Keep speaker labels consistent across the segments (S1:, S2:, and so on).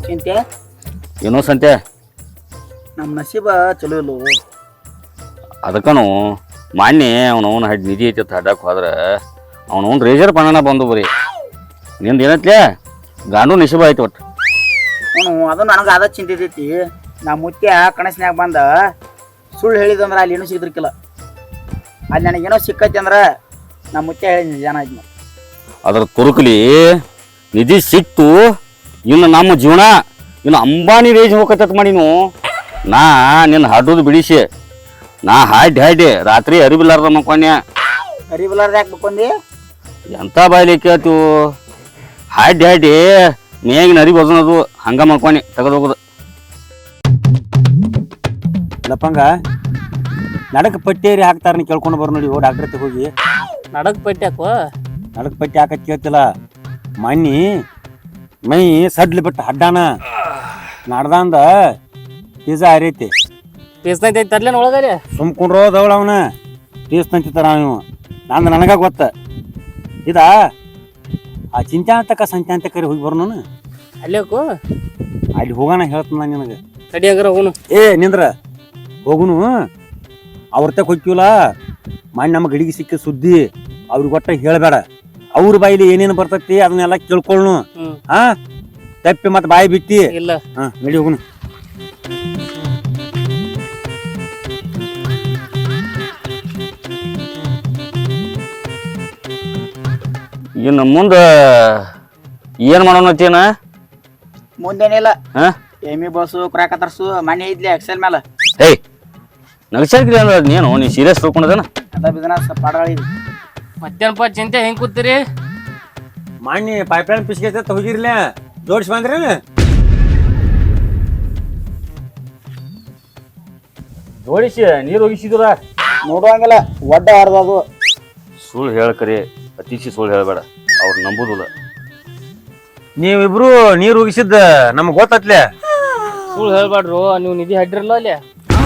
S1: ಚಿಂತೆ
S2: ಏನೋ ಸಂತೆ
S1: ನಮ್ಮ ನಸೀಬ ಚಲೋ ಇಲ್ಲೋ.
S2: ಅದಕ್ಕನು ಮಾನ್ಯ ಅವನವನ ನಿಧಿ ಐತಿ ಹಡ್ಡಕ್ಕೆ ಹೋದ್ರೆ ಅವನವನ್ ರೇಜರ್ ಪಣನ ಬಂದು ಬರೀ ನಿಂದು ಏನತ್ಲೆ ಗಾಂಡು ನಿಶಿಬ ಆಯ್ತು ಒಟ್ಟು.
S1: ಅದು ನನಗೆ ಅದ ಚಿಂತಿತೈತಿ. ನಾ ಮುತ್ಯ ಕನಸಿನ್ಯಾಗ ಬಂದ ಸುಳ್ಳು ಹೇಳಿದಂದ್ರೆ ಅಲ್ಲಿ ಏನೂ ಸಿಗ್ದಿರ್ಕಿಲ್ಲ. ಅಲ್ಲಿ ನನಗೇನೋ ಸಿಕ್ಕೈತಿ ಅಂದ್ರೆ ನಾ ಮುತ್ಯ ಹೇಳಿ ಜನ ಆಯ್ತು.
S2: ಅದ್ರ ತುರುಕಲಿ ನಿಧಿ ಸಿಕ್ತು. ಇನ್ನು ನಮ್ಮ ಜೀವನ ಇನ್ನು ಅಂಬಾನಿ ರೇಜ್ ಹೋಗತ್ತ ಮಾಡಿನು. ನಾ ನಿನ್ನ ಹಾಡೋದು ಬಿಡಿಸಿ ನಾ ಹಾಡಿ ರಾತ್ರಿ ಅರಿಬಿಲ್ಲಾರ್ದ ಮಕ್ಕೊಂಡೆ.
S1: ಅರಿಬಿಲ್ಲಾರ್ದ ಯಾಕೆ ಬಕ್ಕೊಂಡಿ?
S2: ಎಂಥ ಬಾಯ್ಲಿ ಕೇಳ್ತೀವು. ಹಾಡಿ ಮೇಗಿನ ಅರಿ ಬದನದು ಹಂಗ ಮಕ್ಕೊಂಡಿ ತೆಗೆದು ಹೋಗುದು.
S3: ಲಪ್ಪಂಗ ನಡಕ ಪಟ್ಟಿಯರಿ ಹಾಕ್ತಾರ ಕೇಳ್ಕೊಂಡು ಬರ್ ನೋಡಿ ಡಾಕ್ಟರ್ ಹತ್ರ ಹೋಗಿ.
S4: ನಡಕ್ ಪಟ್ಟಿ ಹಾಕೋ.
S3: ನಡಕ ಪಟ್ಟಿ ಹಾಕತ್ ಕೇಳ್ತಿಲ್ಲ. ಮಣ್ಣಿ ಮೈ ಸಡ್ಲಿ ಬಿಟ್ಟು ಹಡ್ಡಾನ ನಡ್ದಂದ ಪಿಜ್ಜಾ ಹರಿಯೈತಿ.
S4: ಪೀಸ್ನೈತಿ ತರ್ಲೇನು ಒಳಗಡೆ
S3: ಸುಮ್ಕೊಂಡ್ರೋ ದವಳ ಅವನ ಪೀಸ್ ತಂತಿತ್ತಾರ ನೀವು. ನಂದು ನನಗ ಗೊತ್ತ. ಇದ ಆ ಚಿಂತ್ಯಾಂತಕ ಸಂತ್ಯಾಂತಕರಿ ಹೋಗಿ ಬರೋಣ.
S4: ಅಲ್ಲಿ ಹೋಗು.
S3: ಅಲ್ಲಿ ಹೋಗೋಣ ಹೇಳ್ತಾನ ನಿನಗೆ.
S4: ತಡಿ ಹಂಗಾರ ಹೋಗುನು.
S3: ನಿಂದ್ರ ಹೋಗುನು. ಅವ್ರತಕ್ ಹೋಗ್ತೀವಲ್ಲ ಮಾಡಿ ನಮ್ಮ ಗಡಿಗೆ ಸಿಕ್ಕ ಸುದ್ದಿ ಅವ್ರಿಗೆ ಒಟ್ಟ ಹೇಳಬೇಡ. ಅವ್ರ ಬಾಯಿಲಿ ಏನೇನು ಬರ್ತೈತಿ ಅದನ್ನೆಲ್ಲ ಕೇಳ್ಕೊಳ್ಳು. ಹಾ ತಪ್ಪಿ ಮತ್ತೆ ಬಾಯಿ ಬಿಟ್ಟಿ
S4: ಇಲ್ಲ.
S3: ಹಾ ನಡಿ ಹೋಗುನು.
S2: ಇನ್ನು ಮುಂದೆ ಏನು ಮಾಡೋಣತ್ತೇನ?
S1: ಮುಂದೇನಿಲ್ಲ.
S2: ಹಾ
S1: ಎಮ್ಮಿ ಬಸ್ಸು ಕ್ರಾಕ್ ತರ್ಸು ಮನೆ ಇದ್ಲಿ ಎಕ್ಸೆಲ್ ಮೇಲೆ.
S2: ಏಯ್ ನಗಸಾಕ್ರಿ ಅಂದ್ರೆ ನೀನು ನೀ ಸೀರಿಯಸ್ ತಿಳ್ಕೊಂಡದೇನ?
S1: ಅದ ಬಿಸ್ನೆಸ್ ಪಾಡಗಳಿದೆ.
S4: ಮತ್ತೇನಪ್ಪ ಚಿಂತೆ ಹೆಂಗ್ ಕೂತೀರಿ?
S3: ಮಾಡಿ ಪೈಪ್ಲೈನ್ ಪಿಸ್ಕೈತೆ ಹೋಗಿರ್ಲ ಜೋಡಿಸಿ ಬಂದ್ರಿ.
S2: ಜೋಡಿಸಿ ನೀರು ಹೋಗಿಸಿದ್ರ
S1: ನೋಡುವಂಗಿಲ್ಲ ಒಡ್ಡ ಹರಿದದು.
S2: ಸುಳ್ಳು ಹೇಳ್ಕರಿ ಅತಿಶಿ ಸುಳ್ಳು ಹೇಳಬೇಡ. ಅವ್ರು ನಂಬುದಿಲ್ಲ.
S3: ನೀವಿಬ್ರು ನೀರು ಉಗಿಸಿದ್ದ ನಮ್ಗೆ ಗೊತ್ತತ್ಲೆ.
S4: ಸುಳ್ಳು ಹೇಳ್ಬೇಡ್ರು. ನೀವು ನಿಧಿ ಹಡ್ಡಿರಲ್ಲ ಅಲ್ಲಿ.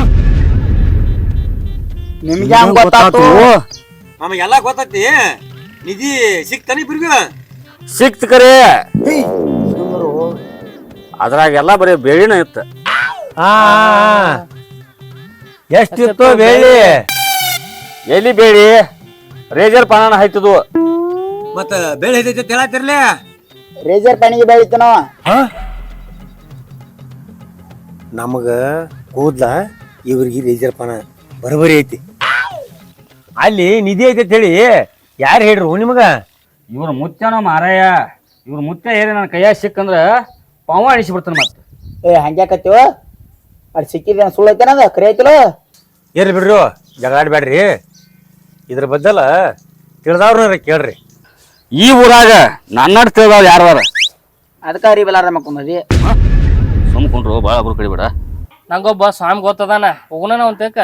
S1: ನಿಮ್ಗೆ ಹಂಗ ಗೊತ್ತಾತು?
S3: ನಮಗೆಲ್ಲ ಗೊತ್ತೈತಿ. ನಿಧಿ ಸಿಕ್ತಾನೆ ಇಬ್ರಿಗ
S2: ಸಿಕ್ತ ಕರೆ. ಅದ್ರಾಗೆಲ್ಲ ಬರೀ ಬೇಳಿನ ಇತ್ತು.
S3: ಎಷ್ಟಿತ್ತು ಬೇಳಿ?
S2: ಎಲ್ಲಿ ಬೇಳಿ ರೇಜರ್ ಪಾನ ಹಾಯ್ತದು.
S3: ಮತ್ತ ಬೇಳೆ ಐತೈತಿ ಹೇಳತ್ತಿರ್ಲೆ.
S1: ರೇಜರ್ ಪಣಿಗೆ ಬೆಳಿತನೋ
S3: ನಮಗ ಕೂದ್ಲ ಇವ್ರಿಗೆ ರೇಜರ್ ಪಾನ ಬರಬರಿ ಐತಿ. ಅಲ್ಲಿ ನಿಧಿ ಐತಿ ಹೇಳಿ ಯಾರು ಹೇಳ್ರು ನಿಮಗ?
S2: ಇವ್ರ ಮುತ್ಯನೋ ಮಾರಾಯ. ಇವ್ರ ಮುತ್ಯ ಏರಿ ನನ್ನ ಕೈಯಾಗ ಸಿಕ್ಕಂದ್ರ ಪಾವ ಅಣಿಸಿಬಿಡ್ತಾನ. ಮತ್ತೆ
S1: ಹಂಗ್ಯಾಕತ್ತೀವ? ಅಲ್ಲಿ ಸಿಕ್ಕಿದೇನು ಸುಳ್ಳು ಐತೇನದ ಕರೆ ಐತಿಲ್ಲ?
S3: ಇರ್ಲಿ ಬಿಡ್ರಿ ಜಗಾಡ್ಬೇಡ್ರಿ. ಇದ್ರ ಬದ್ದಲ ತಿಳಿದವ್ರನ್ನ ಕೇಳ್ರಿ.
S2: ಈ ಊರಾಗ ನನ್ನ ತಿಳಿದವ್ರು ಯಾರದಾರ?
S1: ಅದಕ್ಕೆ ಅರಿಬಿಲ್ಲಾರ್ದ ಮಕ್ಕೊಂದಿ.
S2: ಸುಮ್ಕೊಂಡ್ರು ಭಾಳ ಒಬ್ರು ಕಡಿಬೇಡ.
S4: ನಂಗೊಬ್ಬ ಸ್ವಾಮಿ ಗೊತ್ತದಾನ. ಹೋಗುನ ಅವ್ನ ತೇಕ.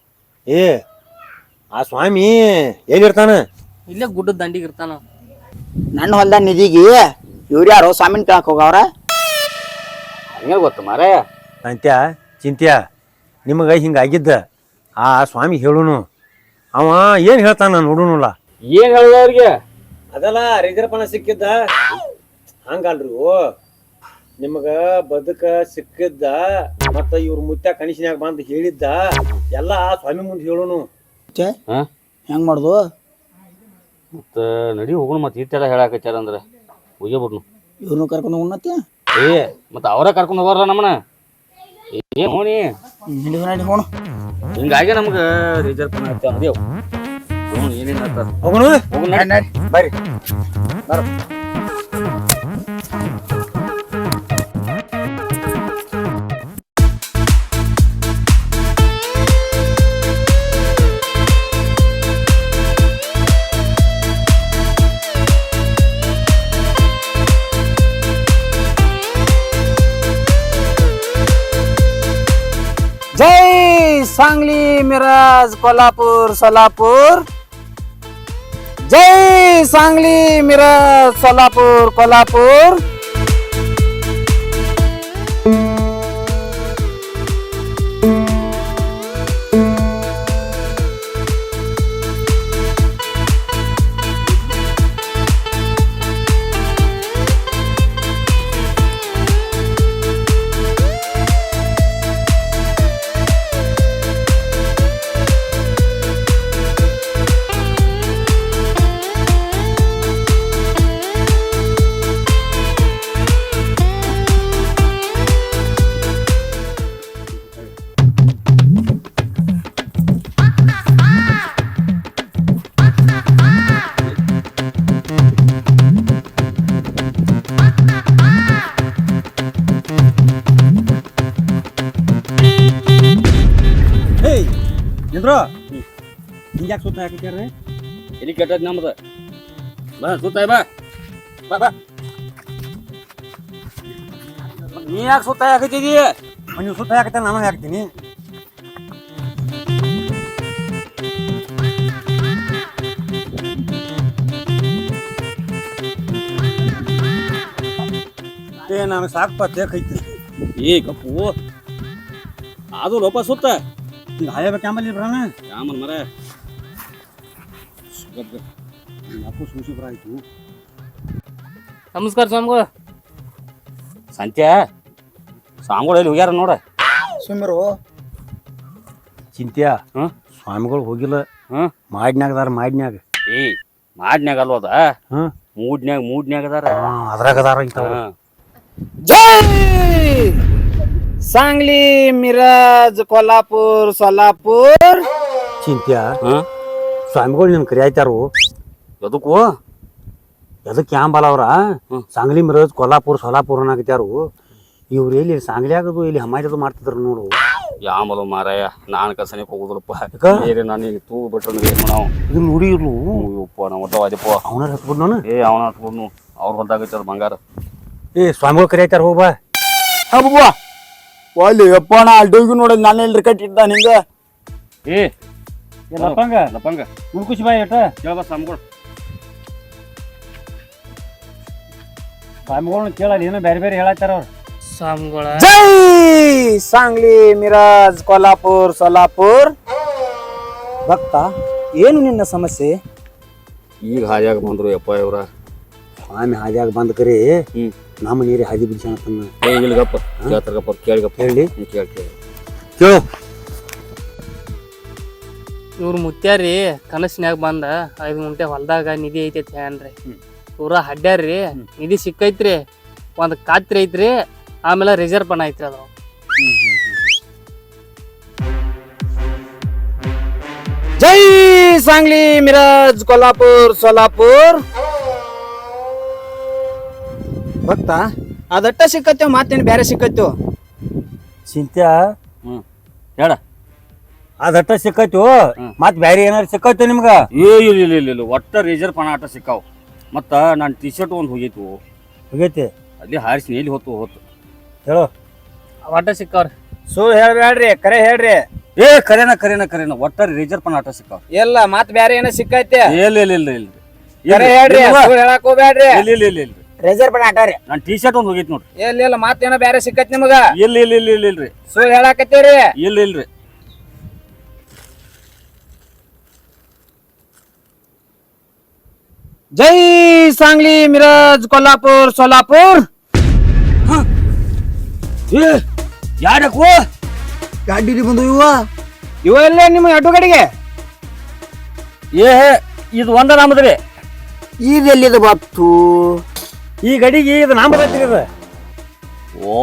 S3: ಆ ಸ್ವಾಮಿ ಎಲ್ಲಿರ್ತಾನ?
S4: ಇಲ್ಲೇ ಗುಡ್ಡದ ದಂಡಿಗೆ ಇರ್ತಾನ.
S1: ನನ್ನ ಹೊಲ್ದ ನಿಧಿಗೆ ಇವ್ರು ಯಾರು ಸ್ವಾಮಿನ ಕೇಳಕ್ ಹೋಗವ್ರ?
S2: ಹಂಗೆ ಗೊತ್ತ ಮಾರಾಯ.
S3: ಅಂತ್ಯ ಚಿಂತ್ಯ ನಿಮಗ ಹಿಂಗಾಗಿದ್ದ ಆ ಸ್ವಾಮಿ ಹೇಳುನು. ಅವ ಏನ್ ಹೇಳ್ತಾನ ನೋಡುನುಲ್ಲ.
S2: ಏನ್ ಹೇಳ್ದ ಅವ್ರಿಗೆ?
S3: ಅದಲ್ಲ ರಿಜರ್ಪಣ ಸಿಕ್ಕಿದ್ದ ಹಂಗಲ್ರಿ. ನಿಮಗ ಬದುಕ ಸಿಕ್ಕಿದ್ದ ಮತ್ತ ಇವ್ರ ಮುತ್ಯ ಕನಿಷ್ನ್ಯಾಗ ಬಂದು ಹೇಳಿದ್ದ ಎಲ್ಲ ಆ ಸ್ವಾಮಿ ಮುಂದೆ ಹೇಳುನು.
S1: ಹೆಂಗ್ ಮಾಡುದು?
S2: ಮತ್ತ ನಡಿ ಹೋಗೋಣ. ಮತ್ತೆ ಇಟ್ಟೆಲ್ಲ ಹೇಳಾಕಚ್ಚಾರ ಅಂದ್ರೆ ಹೋಗೇ ಬಿಡ್ನು.
S1: ಇವ್ರನ್ನು ಕರ್ಕೊಂಡು ಉಣ್ಣತ್ತಿ?
S2: ಮತ್ತೆ ಅವರ ಕರ್ಕೊಂಡು ಹೋಗ್ರ ನಮ್ಮನ. ಏನ್ ಹೋಣಿ
S1: ಹೋಣ.
S2: ಹಿಂಗಾಗಿ ನಮ್ಗ ರಿಜರ್ವ್ ಪಣ ಹಚ್ಚ ಅಂದೇವ್. ಏನೇನ್ ಹೇಳ್ತಾರ
S3: ಹೋಗೋಣ. ಬರ್ರಿ
S1: ಬರ. जय सांगली मिरज कोल्हापूर सोलापूर. जय सांगली मिरज सोलापूर कोल्हापूर.
S3: ಹಿಂಗ್ಯಾಕೆ ಸುತ್ತ ಹಾಕಿದ್ಯಾರ
S2: ಎಲ್ಲಿ ಕೆಟ್ಟದ್ ನಮ್ದು ಬಾ ಸುತ್ತಾಯ್ ಬಾ ಬಾ ಬಾ ನೀ ಯಾಕೆ ಸುತ್ತ ಹಾಕತ್ತಿದಿ
S3: ನೀವು ಸುತ್ತ ಹಾಕತ್ತೆ ನಾನು ಹಾಕ್ತೀನಿ ನನಗೆ ಸಾಕಪ್ಪ ತೇಕೈತಿ
S2: ಏ ಕಪ್ಪು ಅದು ಲೋಪ ಸುತ್ತ
S3: ಈಗ ಹಾಯಬೇಕು ಆಂಬಲ್ಲಿ ಬರೋಣ
S2: ಯಾಮನ್ ಮರ
S3: ಅಪ್ಪು ಸೂಸಿ ಬರಾಯ್ತು
S4: ನಮಸ್ಕಾರ ಸ್ವಾಮಿಗಳು.
S2: ಸಂತ್ಯಾ ಸ್ವಾಮಿಗಳು ಎಲ್ಲಿ ಹೋಗ್ಯಾರ ನೋಡ
S1: ಸುಮ್ರು
S3: ಚಿಂತ್ಯ
S2: ಹ್ಮ್
S3: ಸ್ವಾಮಿಗಳು ಹೋಗಿಲ್ಲ
S2: ಹ್ಮ್
S3: ಮಾಡಿನ್ಯಾಗ ಅದಾರ ಮಾಡಿನ್ಯಾಗ
S2: ಏ ಮಾಡ್ನ್ಯಾಗ ಅಲ್ವದ
S3: ಹ್ಮ್
S2: ಮೂಡ್ನ್ಯಾಗ ಅದಾರ
S3: ಅದ್ರಾಗ ಅದಾರ ಇಂಥವ್ರು
S2: ಹಾ.
S1: जय सांगली मिरज कोल्हापूर सोलापूर
S3: ಚಿಂತ್ಯ
S2: ಹಾ?
S3: ಸ್ವಾಮಿಗಳು ನಿನ್ ಕರಿಯಾಯ್ತಾರು
S2: ಎದಕ್ಕೂ
S3: ಎದಕ್ಕೆ ಯಾಂಬಲ್ಲ ಅವ್ರ ಸಾಂಗ್ಲಿ ಮಿರಜ್ ಕೊಲ್ಲಾಪುರ ಸೋಲಾಪುರ ಅನ್ನಕತ್ಯಾರು ಇವ್ರು ಎಲ್ಲಿ ಸಾಂಗ್ಲಿ ಆಗದು ಇಲ್ಲಿ ಹಮಾಜದು ಮಾಡ್ತಿದ್ರು ನೋಡು
S2: ಯಾಮಲು ಮಾರಾಯ ನಾನು ಕಸನಿಗೆ ಹೋಗುದಿಲ್ಲಪ್ಪ
S3: ಯಾಕ?
S2: ಬೇರೆ ನಾನು ತೂ ಬಿಟ್ರು ಏನ್ ಮಾಡಾವ
S3: ಇದು ನೋಡಿ ಇರ್ಲು
S2: ಅಯ್ಯಪ್ಪ ನಾವು ಒಟ್ಟವಾದಿಪ್ಪ
S3: ಅವನ ಹತ್ಬಿಡ್ ನಾನು
S2: ಏ ಅವನ ಹತ್ಕೊಂಡು ಅವ್ರ ಹೊಲ್ದಾಗೈತದ ಬಂಗಾರ
S3: ಏ ಸ್ವಾಮಿಗಳು ಕರಿಯಾಯ್ತಾರ ಹೋಗ್ಬಾ
S1: ಅಬ್ಬ ಒಲ್ಲಿ ಯಪ್ಪ ನಾ ಅಡ್ಡೋಗಿ ನೋಡೋದು ನಾನು ಎಲ್ರಿ ಕಟ್ಟಿದ್ದ ನಿಂಗ
S2: ಏ
S3: ಲಪ್ಪಂಗ
S2: ಲಪ್ಪಂಗ
S3: ಉಳ್ಕುಸಿ ಬಾಯ್ ಅಟ
S2: ಕೇಳಬ ಸ್ವಾಮಿಗಳು
S3: ಸ್ವಾಮಿಗಳನ್ನ ಕೇಳಲ್ಲ ಏನೋ ಬೇರೆ ಬೇರೆ ಹೇಳತ್ತಾರ ಅವ್ರು
S4: ಸ್ವಾಮಿಗಳ
S1: जय सांगली मिरज कोल्हापूर सोलापूर ಭಕ್ತ ಏನು ನಿನ್ನ ಸಮಸ್ಯೆ
S2: ಈಗ ಹಾದಿಯಾಗ ಬಂದ್ರು ಯಪ್ಪ ಇವ್ರ
S3: ಸ್ವಾಮಿ ಹಾದಿಯಾಗ ಬಂದ್ ಕರಿ
S2: ಹ್ಮ್
S3: ನಮ್ಮ ನೀರಿ ಹಾದಿ ಬಿಡ್ಸಣ
S2: ಏ ಇಲ್ಗಪ್ಪ ಕೇಳ್ತಾರಗಪ್ಪ ಕೇಳಿಗಪ್ಪ
S3: ಹೇಳಿ
S2: ಕೇಳಿ ಕೇಳಿ
S3: ಕೇಳು
S4: ಇವ್ರ ಮುತ್ಯಾರಿ ಕನಸಿನ್ಯಾಗ ಬಂದ 5 ಗುಂಟೆ ಹೊಲ್ದಾಗ ನಿಧಿ ಐತಿ ಅಂತ ಹೇಳ್ರಿ. ಪೂರಾ ಹಡ್ಡ್ಯಾರ್ರಿ ನಿಧಿ ಸಿಕ್ಕೈತ್ರಿ, ಒಂದ್ ಕಾತ್ರಿ ಐತ್ರಿ, ಆಮೇಲೆ ರಿಸರ್ವ್ ಪಣ ಐತ್ರಿ ಅದ.
S1: जय सांगली मिरज कोल्हापूर सोलापूर ಭಕ್ತ ಅದಟ್ಟ ಸಿಕ್ಕತ್ತೇವ್ ಮಾತೇನು ಬೇರೆ ಸಿಕ್ಕತ್ತೇವ್
S3: ಚಿಂತ್ಯ
S2: ಹ್ಮ್ ಹೇಳ
S3: ಅದಟ್ಟ ಸಿಕ್ಕೈತು ಮತ್ ಬ್ಯಾರೆ ಏನಾರು ಸಿಕ್ಕೈತು ನಿಮ್ಗ
S2: ಏ ಇಲ್ಲ ಒಟ್ಟ ರೇಜರ್ ಪಣ ಆಟ ಸಿಕ್ಕಾವ್ ಮತ್ತ ನಾನು ಟಿ ಶರ್ಟ್ ಒಂದು ಹೋಗಿತ್ತು
S3: ಹೋಗೈತಿ
S2: ಅಲ್ಲಿ ಹಾರಿಸಿ ಎಲ್ಲಿ ಹೊತ್ತು
S3: ಹೇಳು
S4: ಒಟ್ಟ ಸಿಕ್ಕವ್ರಿ.
S1: ಸುಳ್ಳು ಹೇಳ್ಬೇಡ್ರಿ, ಕರೆ ಹೇಳ್ರಿ.
S2: ಏ ಕರೆನ ಒಟ್ಟ ರೇಜರ್ ಪಣ ಆಟ ಸಿಕ್ಕಾವ್
S1: ಇಲ್ಲ ಮತ್ ಬ್ಯಾರೆ ಏನೋ ಸಿಕ್ಕೈತೆ,
S2: ಇಲ್ಲ
S1: ಕರೆ ಹೇಳ್ರಿ, ಸುಳ್ಳು ಹೇಳಕ್ ಹೋಗ್ಬೇಡ್ರಿ.
S2: ಇಲ್ಲ
S1: ರೇಜರ್ ಪಣ ಆಟಾರಿ
S2: ನಾನು ಟಿ ಶರ್ಟ್ ಒಂದು ಹೋಗಿತ್ತು ನೋಡ್ರಿ.
S1: ಇಲ್ಲ ಮತ್ತೇನೋ ಬ್ಯಾರೆ ಸಿಕ್ಕೈತಿ ನಿಮಗ,
S2: ಇಲ್ರಿ
S1: ಸುಳ್ಳು ಹೇಳಾಕತ್ತೀರಿ.
S2: ಇಲ್ರಿ
S1: जय सांगली मिरज कोल्हापूर सोलापूर
S2: ಏ ಯಾಡಕ್ಕೂ
S1: ಗಾಡಿ ಬಂದು ಇವ ಎಲ್ಲ ನಿಮ್ಮ ಅಡ್ಡು ಗಾಡಿಗೆ
S2: ಏ ಇದು ಒಂದ ನಮ್ಮದ್ರಿ
S1: ಇದೆಲ್ಲಿದ ಬತ್ತು
S3: ಈ ಗಡಿಗೆ ಇದು ನಾಮ ಬರ್ತೈತಿ ಇದು
S2: ಓ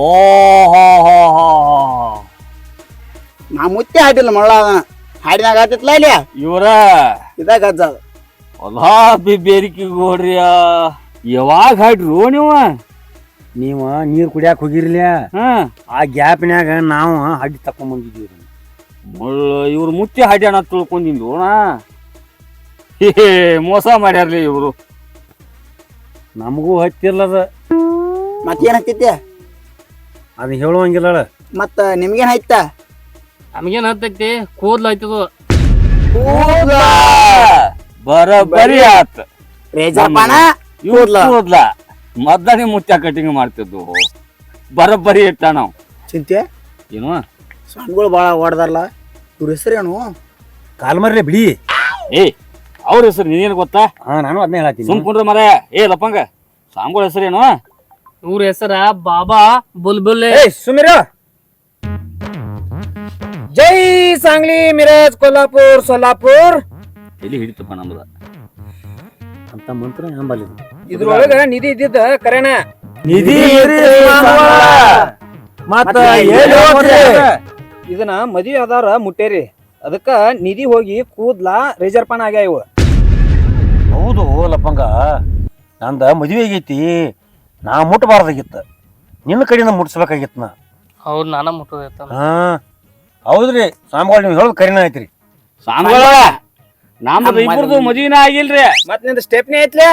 S1: ನಾ ಮುತ್ತೆ ಹಾಡಿಲ್ಲ ಮಳ್ಳ ಹಾಡಿನಾಗ ಆತಿತ್ಲ ಇಲ್ಲಿ
S2: ಇವರ
S1: ಇದಾಗ ಅಜ್ಜ ಅದು.
S2: ಹೊಲಾ ಬೇರಿಕೆ ಗೋಡ್ರಿಯ ಯಾವಾಗ ಹಾಡ್ರು
S3: ನೀವ ನೀರ್ ಕುಡಿಯಾಕ ಹೋಗಿರ್ಲ
S2: ಹಾ
S3: ಆ ಗ್ಯಾಪ್ನ್ಯಾಗ ನಾವು ಹಡ್ಡಿ ತಕೊಂಡ್ ಬಂದಿದ್ದೀವಿ
S2: ಇವ್ರು ಮುತ್ತಿ ಹಾಡಿ ಅಣ್ಣ ತಿಳ್ಕೊಂಡಿದ್ದು ಮೋಸ ಮಾಡ್ಯಾರ್ಲಿ ಇವ್ರು
S3: ನಮಗೂ ಹತ್ತಿಲ್ಲದ
S1: ಮತ್ತೇನ್ ಹತ್ತೈತಿ
S3: ಅದನ್ನ ಹೇಳುವಂಗಿಲ್ಲ
S1: ಮತ್ತ ನಿಮ್ಗೇನ್ ಆಯ್ತ
S4: ನಮಗೇನ್ ಹತ್ತೈತಿ, ಕೂದ್ಲು ಆಯ್ತದು.
S2: ಬರೀ ಆತ್
S1: ರೇಜರ್ ಪಾನ
S2: ಕೂದ್ಲ ಮದ್ದನಿ ಮುತ್ಯ ಕಟಿಂಗ್ ಮಾಡ್ತಿದ್ವು ಬರೀ ಇಟ್ಟ ನಾವು
S1: ಚಿಂತೆ
S2: ಏನು
S1: ಸ್ವಾಮಿಗಳು ಬಾಳ ಓಡದಾರಲ್ಲ, ಇವ್ರ ಹೆಸರೇನು?
S3: ಕಾಲ್ಮರ್ಲೆ ಬಿಡಿ
S2: ಏ ಅವ್ರ ಹೆಸರು ನೀನೇನು ಗೊತ್ತಾ?
S3: ಹಾ ನಾನು ಅದನ್ನ ಹೇಳತ್ತೀನಿ
S2: ಸುಮ್ಕೊಂಡ್ರೆ ಮರ ಏ ಲಪ್ಪಂಗ ಸಾಂಗೋಳ ಹೆಸರೇನು?
S4: ಇವ್ರ ಹೆಸರ ಬಾಬಾ ಬುಲ್ಬುಲ್.
S1: ಸುಮಿರ ಜೈ सांगली मिरज कोल्हापूर सोलापूर
S2: ಎಲ್ಲಿ ಹಿಡಿತಪ್ಪ ನಮ್ದ
S3: ಅಂತ ಮಂತ್ರ ನಂಬಲ್ಲಿ
S1: ಇದ್ರೊಳಗ ನಿಧಿ ಇದ್ದಿದ್ದ ಕರೆನ
S3: ನಿಧಿ ಮತ್ತ
S1: ಇದನ್ನ ಮದ್ವಿ ಅದಾರ ಮುಟ್ಟೇರಿ, ಅದಕ್ಕ ನಿಧಿ ಹೋಗಿ ಕೂದ್ಲ ರೇಜರ್ ಪಾನ ಆಗ್ಯಾವ ಇವ.
S3: ಹೌದು ಲಪ್ಪಂಗ ನಂದ ಮದುವೆ ಆಗೈತಿ, ನಾ ಮುಟ್ಟಬಾರ್ದಾಗಿತ್ತ, ನಿನ್ನ ಕಡೆಯಿಂದ ಮುಟ್ಸ್ಬೇಕಾಗಿತ್ತ ನಾ.
S4: ಹೌದ್ ನಾನ ಮುಟ್ಟೋದಿರ್ತಾನ.
S3: ಹಾ ಹೌದ್ರಿ ಸ್ವಾಮಿಗಳು ನೀವು ಹೇಳೋದು ಕರಿನ ಐತ್ರಿ.
S2: ಸಾಂಗೋಳ ನಮ್ಮದು ಇಬ್ಬರದು ಮದುವಿನ ಆಗಿಲ್ರಿ.
S5: ಮತ್ ನಿಂದ ಸ್ಟೆಪ್ನಿ ಐತ್ಲೆ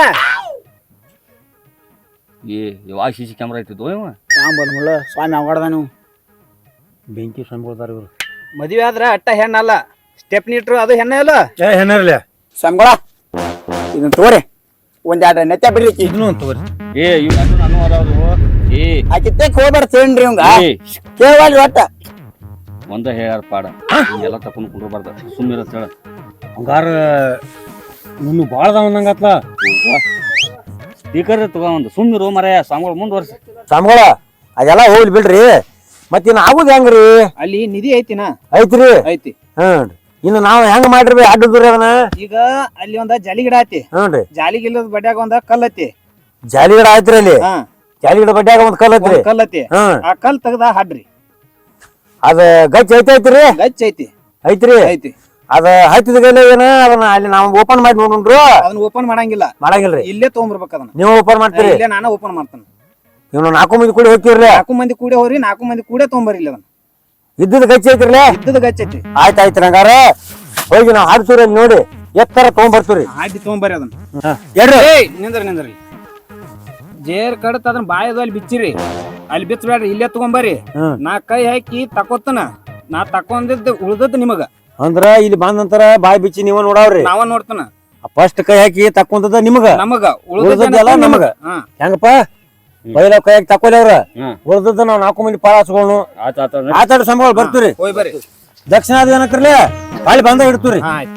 S2: ಯಾವಾಗ CC ಕ್ಯಾಮ್ರಾ ಐತಿದ್ವು ಇವ
S1: ಮುಳ್ಳ ಸ್ವಾಮಿ ಅವಗಡ್ದ ನೀವು
S3: ಬೆಂಕಿ ಸಂಬೋದಾರ ಇವರು
S5: ಮದ್ವೆ ಆದ್ರ ಅಟ್ಟ ಹೆಣ್ಣಲ್ಲ ಸ್ಟೆಪ್ನಿ ಇಟ್ರು ಅದು ಹೆಣ್ಣ ಅಲ್ಲ
S3: ಏನಾರಲ್ಲ
S1: ಸಂಬಳ ಇದನ್ನ ತಗೋರಿ ಒಂದೆರಡು ನೆತ್ತ ಬಿಡ್ರಿ
S3: ಇದನ್ನು ತಗೋರಿ.
S2: ಇವ್ ನಾನು ಅದಾವ್ರು.
S1: ಆಕಿತ್ತೆ ಹೋಗ್ಬಾರ್ದು ತೇನ್ರಿ ಇವಂಗ
S2: ಏ
S1: ಕೇಳಲ್ರಿ ಒಟ್ಟ
S2: ಒಂದ ಹೇಳ್ಯಾರ ಪಾಡ ಎಲ್ಲ ತಕೊಂಡ್ ಕುಂಡ್ರಬಾರ್ದ ಸುಮ್ಮಿರ ಹೇಳ.
S3: ಹಂಗಾರ ಇನ್ನು ಭಾಳ ಅದಾವಂದಂಗತ್ಲ.
S2: ಸ್ಪೀಕರ್ ತಗೋ ಒಂದು ಸುಮ್ಮಿರು ಮರೆಯ ಸಾಂಗಳು ಮುಂದುವರ್ಸಿ.
S3: ಸ್ವಾಮಿಗಳ ಅದೆಲ್ಲ ಹೋಗ್ಲಿ ಬಿಡ್ರಿ. ಮತ್ತಿನ್ ಆಗುದ್ ಹೆಂಗ್ರಿ?
S5: ಅಲ್ಲಿ ನಿಧಿ ಐತಿನ
S3: ಐತ್ರಿ.
S5: ಐತಿ
S3: ಇನ್ನು ನಾವ್ ಹೆಂಗ್ ಮಾಡ್ರಿ ಅಡ್ಡದ್ರಿ ಅದನ್ನ?
S5: ಈಗ ಅಲ್ಲಿ ಒಂದ ಜಾಲಿ ಗಿಡ ಐತಿ.
S3: ಹ್ಞೂನ್ರಿ.
S5: ಜಾಲಿ ಗಿಡದ ಬಡ್ಯಾಗ ಒಂದ ಕಲ್ ಐತಿ.
S3: ಜಾಲಿ ಗಿಡ ಆಯ್ತ್ರಿ ಅಲ್ಲಿ.
S5: ಹಾ
S3: ಜಾಲಿ ಗಿಡ ಬಡ್ಯಾಗ ಒಂದ್ ಕಲ್ ಐತ್ರಿ.
S5: ಒಂದ್ ಕಲ್ ಐತಿ.
S3: ಹ್ಮ್
S5: ಆ ಕಲ್ ತೆಗ್ದ ಹಾಡ್ರಿ.
S3: ಅದ ಗಚ್ಚ ಐತ್ರಿ.
S5: ಗಚ್ ಐತಿ.
S3: ಐತ್ರಿ.
S5: ಐತಿ.
S3: ಅದ ಹತ್ತಿದ ಗಲೆ ಏನ ಅದನ್ನ ಅಲ್ಲಿ ನಾವು ಓಪನ್ ಮಾಡಿ ನೋಡ್ರು
S5: ಅದನ್ನ ಓಪನ್ ಮಾಡಂಗಿಲ್ಲ.
S3: ಮಾಡಂಗಿಲ್ರಿ.
S5: ಇಲ್ಲೇ ತಗೊಂಡ್ಬರ್ಬೇಕ ಅದನ್ನ.
S3: ನೀವು ಓಪನ್ ಮಾಡ್ತೀರಿ?
S5: ಇಲ್ಲೇ ನಾನ ಓಪನ್ ಮಾಡ್ತಾನ.
S3: ಇವ್ನು 4 ಮಂದಿ ಕೂಡಿ ಹೋಗ್ತಿರ್ರಿ.
S5: 4 ಮಂದಿ ಕೂಡೆ ಹೋರಿ 4 ಮಂದಿ ಕೂಡೆ ತಗೊಂಬರ್ರಿ ಇಲ್ಲ ಅದನ್ನ.
S3: ಇದ್ದದ ಗಚ್ಚ ಐತ್ರಿಲ್ಲ?
S5: ಇದ್ದದ ಗಚ್ ಐತಿ.
S3: ಆಯ್ತಾಯ್ತು ಹಂಗಾರ ಹೋಗಿ ನಾವು ಹಾಡ್ತೀವ್ರಿ ಅಲ್ಲಿ ನೋಡಿ ಎತ್ತರ ತಗೊಂಡ್ಬರ್ತೀವ್ರಿ.
S5: ಆಯ್ತು ತಗೊಂಬರ್ರಿ ಅದನ್ನ.
S3: ಹೇಳ್ರಿ.
S5: ಏಯ್ ನಿಂದ್ರಿ ಜೇರ್ ಕಡತ್ ಅದನ್ನ ಬಾಯದು ಅಲ್ಲಿ ಬಿಚ್ಚಿರಿ. ಅಲ್ಲಿ ಬಿಚ್ಚಬೇಡ್ರಿ ಇಲ್ಲೇ ತಗೊಂಬರ್ರಿ. ನಾ ಕೈ ಹಾಕಿ ತಕೋತನ. ನಾ ತಕೊಂಡಿದ್ದ ಉಳ್ದದ್ ನಿಮಗ.
S3: ಅಂದ್ರ ಇಲ್ಲಿ ಬಂದ ನಂತರ ಬಾಯಿ ಬಿಚ್ಚಿ ನೀವ ನೋಡಾವ್ರಿ.
S5: ನಾವ ನೋಡ್ತಾನ.
S3: ಫಸ್ಟ್ ಕೈ ಹಾಕಿ ತಕ್ಕೊಂತದ ನಿಮಗ,
S5: ನಮಗ
S3: ಉಳ್ದದ್ದೆಲ್ಲ ನಮಗ. ಹೆಂಗಪ್ಪ ಬೈಲ ಕೈ ಹಾಕಿ ತಕ್ಕೊಲಿ ಅವ್ರ ಉಳ್ದದ್ದು ನಾವ್ 4 ಮಂದಿ ಪಾಲಾಸ್ಕೊಂಡು ಆತಾಡ ಸಂಬಳ ಬರ್ತೀವ್ರಿ.
S5: ಹೋಯ್ ಬರ್ರಿ.
S3: ದಕ್ಷಿಣ ಅದು ಏನಕ್ರಲಿ ಬಾಳಿ ಬಂದ ಇಡ್ತೀವ್ರಿ.
S5: ಆಯ್ತು.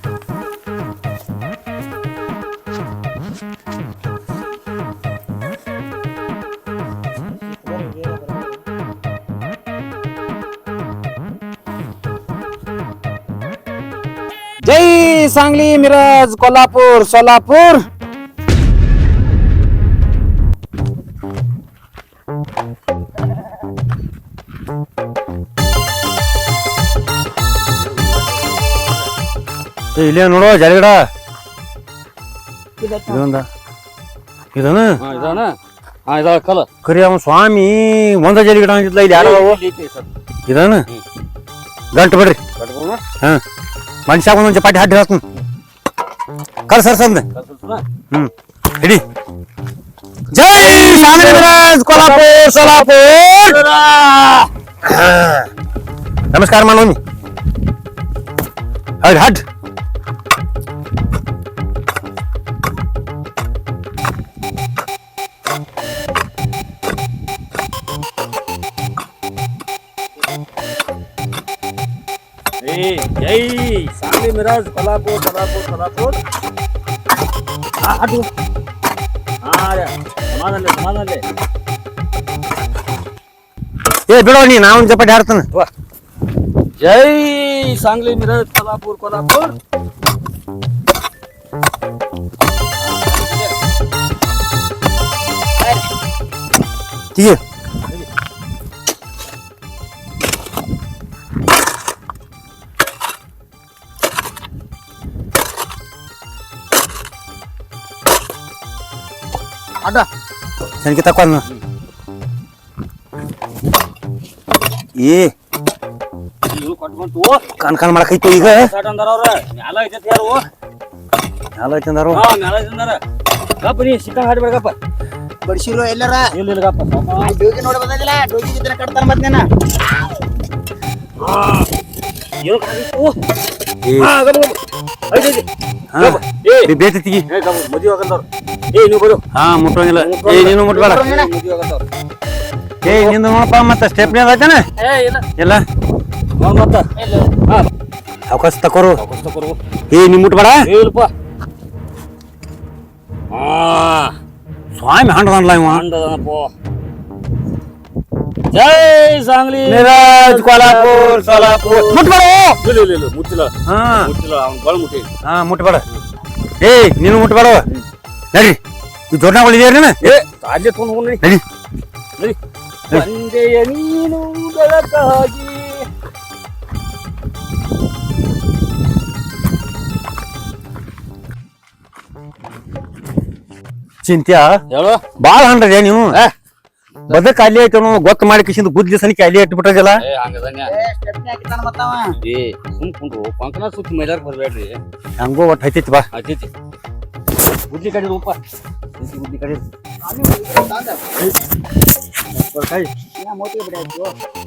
S5: जय सांगली मिरज कोल्हापूर सोलापूर.
S3: ಇಲ್ಲೇ ನೋಡೋ ಜಾಲಿಗಡ ಇದೊಂದ ಇದನ್ನ
S2: ಇದಾವ ಕಲ
S3: ಕರಿ ಅವನ್ ಸ್ವಾಮಿ ಒಂದ ಜಾಲಿಗಡ ಅಂತಿದ್ಲ ಇಲ್ಲಿ ಯಾರು ಇದನ್ನ ಗಂಟು ಬಿಡ್ರಿ. ಹಾ ಮನುಷ್ಯ ಒಂದೊಂದ್ ಚಪಾಟಿ ಹಾಕಿ ಹಾಕ್ತೀನಿ ಕಲ್ ಸರ್ಸಂದ. ಹಿಡಿ. ಜೈ ಶಾಂಗ್ಲಿ ಮಿರಜ್ ಕೊಲ್ಹಾಪುರ್ ಸೋಲಾಪುರ್. ನಮಸ್ಕಾರ ಮಾಡೋನಿ. ಹೌದು ಹಟ್
S2: ಜೈ ಸಾಂಗ್ಲಿ ಮಿರಜ್ ಕೊಲ್ಹಾಪುರ್ ಕೊಲ್ಹಾಪುರ್ ಕೊಲ್ಹಾಪುರ್. ಅದು ಸಮಾಧಾನ ಸಮಾಧಾನ.
S3: ಏ ಬಿಡೋ ನೀ ನಾ ಒಂದ್ ಚಪಾಟಿ ಹಾಡ್ತಾನ.
S2: ಜೈ सांगली मिरज कोल्हापूर कोल्हापूर.
S3: ठीक है.
S5: ಅಡ್ಡ
S3: ಸನಿಕೆ ತಕ್ಕೊಂಡು ಏ ಕಾನ್ ಕಾನ್ ಮಾಡಕೈತಿ ಈಗ.
S2: ಮ್ಯಾಲ ಐತೈತಿ ಯಾರು
S3: ಮ್ಯಾಲ ಐತಿ ಅಂದಾರು.
S2: ಮ್ಯಾಲ ಐತಂದಾರ ಗಪ್ಪ ನೀ ಸಿಕ್ಕ ಹಾಡ್ಬೇಕಪ್ಪ.
S1: ಬಡಿಸಿರೋ ಎಲ್ಲಾರ
S2: ಇಲ್ಲ ಇಲ್ಲ ಗಪ್ಪ
S1: ಡೋಗಿ ನೋಡಿ ಬಂದಿಲ್ಲ. ಡೋಗಿ ಜೊತೆ ಕಟ್ತಾನ ಮತ್ತೇನ
S2: ಏನು ಕಾಣಿಸ್ತು?
S3: ಬೇತಿಗಿ
S2: ಮದುವೆ ಆಗಂದವ್ರು. ಏ ನೀವು ಬರು.
S3: ಹಾ ಮುಟ್ಟೋಂಗಿಲ್ಲ. ಏ ನೀನು ಮುಟ್ಬೇಡ.
S2: ಮದುವೆ ಆಗಂದವ್ರು.
S3: ಏ ನಿಂದು ನೋಡಪ್ಪ ಮತ್ತ ಸ್ಟೆಪ್ನಿ ಅದಾಯ್ತಾನ ಇಲ್ಲ
S2: ಮತ್ತ
S3: ಅವಕಾಶ ತಕೋರು.
S2: ತಗೋರು.
S3: ಏ ನೀ ಮುಟ್ಬೇಡ.
S2: ಇಲ್ಲಪ್ಪ
S3: ಸ್ವಾಮಿ ಹಾಂಡದಲ್ಲ ಇವ.
S2: ಜೈ सांगली
S3: ಮಿರಜ್ ಕೊಲ್ಹಾಪುರ್ ಸೋಲಾಪುರ್. ಮುಟ್ಬೇಡ.
S2: ಇಲ್ಲ ಇಲ್ಲ ಇಲ್ಲ ಮುಟ್ಟಿಲ್ಲ.
S3: ಹಾ
S2: ಮುಟ್ಟಿಲ್ಲ ಅವ್ನು ಗಳು ಮುಟ್ಟಿ.
S3: ಹಾ ಮುಟ್ಬೇಡ. ಏ ನೀನು ಮುಟ್ಬೇಡ. ನಡಿ ಈ ದೊಡ್ಡಗಳು ಇದೆಯಾ
S2: ಏ ಅಲ್ಲೇ ತೊಗೊಂಡು ಹೋಗಿ
S3: ನಡಿ
S2: ನಡಿ. ಬಂದೆಯ ನೀನು ಬೆಳಕಾಗಿ.
S3: ಚಿಂತ್ಯಾ
S2: ಹೇಳು
S3: ಬಾಳ ಹಂಡ್ರದೆ ನೀವು. ಬದಕ್ ಅಲ್ಲಿ ಐತೆ ಗೊತ್ತ ಮಾಡಿ ಕಿಶಿಂದ ಗುದ್ಲಿ ಸನಿಕೆ ಅಲ್ಲಿ ಇಟ್ಬಿಟ್ಟದಲ್ಲ
S1: ಸ್ಟೆಪ್ನಿ ಹಾಕಿದ್ದಾನ ಮತ್ತವ
S2: ಸುಮ್ ಕುಂಡ್ರು ಕೊಂಕಣ ಸುತ್ತ ಮೈದಾರ್ ಬರ್ಬೇಡ್ರಿ
S3: ಹಂಗೋ ಒಟ್ಟು ಹೈತೈತಿ ಬಾ
S2: ಆಚೀಚಿ ಗುದ್ಲಿ ಕಡಿ ರೂಪ ಗುದ್ಲಿ ಕಡಿ
S1: ಮೋತಿ ಬಿಡಾಯ್ತು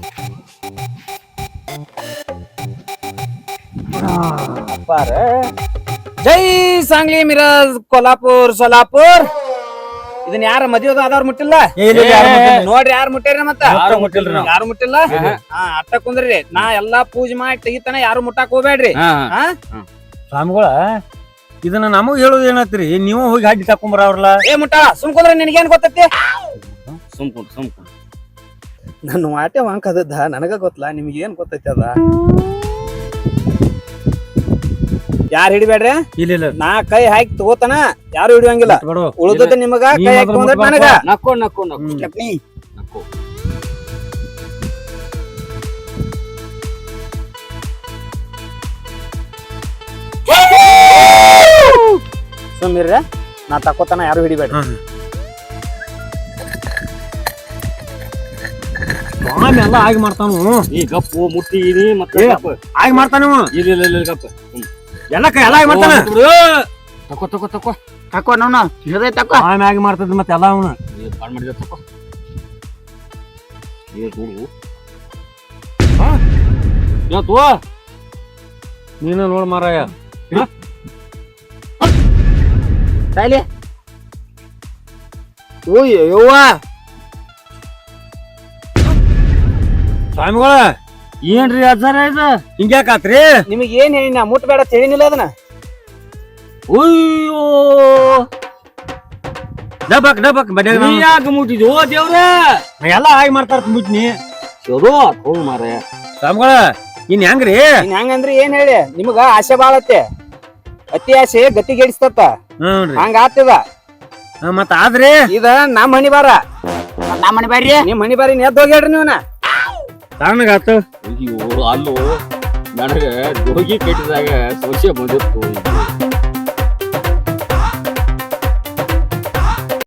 S5: ಅಪ್ಪಾರ ಜೈ ಸಾಂಗ್ಲಿ ಮಿರಾಜ್ ಕೊಲ್ಹಾಪುರ್ ಸೋಲಾಪುರ್ ಇದನ್ನ ಯಾರ ಮದುವೆ ಆದವ್ರು ಮುಟ್ಟಿಲ್ಲ ನೋಡ್ರಿ ಯಾರು ಮುಟ್ಟಾರ ಮತ್ತ
S3: ಯಾರು ಮುಟ್ಟಿಲ್ರಿ ನಾವು.
S5: ಯಾರು ಮುಟ್ಟಿಲ್ಲ ಹಾ ಅಟ್ಟ ಕುಂದ್ರಿ ನಾ ಎಲ್ಲಾ ಪೂಜೆ ಮಾಡಿ ತೆಗಿತಾನ ಯಾರು ಮುಟ್ಟಾಕ್ ಹೋಗ್ಬೇಡ್ರಿ ಹಾ
S3: ಸ್ವಾಮಿಗಳ ಇದನ್ನ ನಮಗ್ ಹೇಳೋದು ಏನತ್ರಿ ನೀವು ಹೋಗಿ ಹಾಡಿ ತಕೊಂಬರ ಅವ್ರಲ್ಲ
S5: ಏ ಮುಟ್ಟಾಳ ಸುಮ್ ಕುಂದ್ರೆ ನಿನಗೇನ್ ಗೊತ್ತೈತಿ
S2: ಸುಮ್ ಕುಂಡ್ರು
S5: ನನ್ನ ವಾಟೆ ವಾಂಕ್ ಅದದ್ದ ನನಗ ಗೊತ್ತಲ್ಲ ನಿಮ್ಗೆ ಏನ್ ಗೊತ್ತೈತಿ ಅದ ಯಾರು ಹಿಡಿಬೇಡ್ರಿ
S3: ಇಲ್ಲ
S5: ನಾ ಕೈ ಹಾಕಿ ತಗೋತಾನ ಯಾರು ಹಿಡಿಯಂಗಿಲ್ಲ ಉಳ್ದದ ನಿಮಗ ಕೈ ಹಾಕಿ ತಗೊಂಡ್ರೆ ನನಗ
S2: ನಕ್ಕೋ ನಕ್ಕೋ ನಕ್ಕೋ
S1: ಸ್ಟೆಪ್ನಿ
S2: ನಕ್ಕೋ
S5: ಸುಮ್ಮಿರ್ರ ನಾ ತಕೋತಾನ ಯಾರು ಹಿಡಿಬೇಡ್ರಿ
S3: ಸ್ವಾಮಿ ಎಲ್ಲ ಆಗಿ ಮಾಡ್ತಾನು
S2: ಈ ಗಪ್ಪು ಮುಟ್ಟಿದೀನಿ ಮತ್ತೆ ಗಪ್ಪು.
S3: ಆಗಿ ಮಾಡ್ತಾನ
S2: ಇಲ್ಲ ಗಪ್ಪ
S3: ಎಲ್ಲ ಎಲ್ಲ ಆಗಿ ಮಾಡ್ತಾನ
S2: ತಕೋ ತಕೋ ತಕೋ
S1: ತಕೋ ನಾವು ಹಿಡ್ದೈ ತಕೋ
S3: ಸ್ವಾಮಿ ಆಗಿ ಮಾಡ್ತದ ಮತ್ತೆ ಎಲ್ಲ ಅವನು
S2: ಕಾಲ್ ಮಾಡಿದ ತಕೋ ನೋಡು ಇವತ್ತು
S3: ನೀನು ನೋಡ್ ಮಾರಾಯ
S1: ಸಾಯ್ಲಿ ಓಯ್ ಯವ್ವ
S3: ಸ್ವಾಮಿಗಳ
S2: ಏನ್ರಿ ಅಜ್ಜಾರ ಇದು
S3: ಹಿಂಗ್ಯಾಕಾತ್ರಿ
S5: ನಿಮಗ್ ಏನ್ ಹೇಳಿನ ಮುಟ್ಬೇಡ ತಿಳಿನಿಲ್ಲ ಅದನ್ನ
S2: ಅಯ್ಯೋ
S3: ಡಬಕ್ ಬಡ್ಯಾಗ
S2: ನೀ ಯಾಕೆ ಮುಟ್ಟಿದ್ಯೋ ದೇವ್ರ
S3: ಎಲ್ಲ ಆಗಿ ಮಾಡ್ತಾರ ಮುಟ್ನಿ
S2: ಚಲೋ ಹೋಗ್ ಮಾರ
S3: ಸ್ವಾಮಿಗಳ ಇನ್ ಹೆಂಗ್ರಿ
S5: ಇನ್ ಹೆಂಗಂದ್ರಿ ಏನ್ ಹೇಳಿ ನಿಮಗ ಆಸೆ ಬಾಳತ್ತೆ ಅತಿ ಆಸೆ ಗತಿಗೆಡಿಸ್ತತ್ತ
S3: ಹ್ಞೂನ್ರಿ
S5: ಹಂಗ ಆತದ
S3: ಮತ್ತ ಆದ್ರಿ
S5: ಇದ ನಮ್ಮ ಹಣಿ ಬಾರ
S1: ನಮ್ಮ ಮನೆ ಬರ್ರಿ
S5: ನಿಮ್ ಹಣಿ ಬಾರಿ ಎದ್ದು ಹೋಗ್ಯಾಡ್ರಿ ನೀವನ
S3: ತಣ್ಣಗಾತು
S2: ಅಯ್ಯೋ ಅಲ್ಲೋ ನನಗ ಜೋಗಿ ಕಟ್ಟಿದಾಗ ಸೊಸೆ ಬಂದಿತ್ತು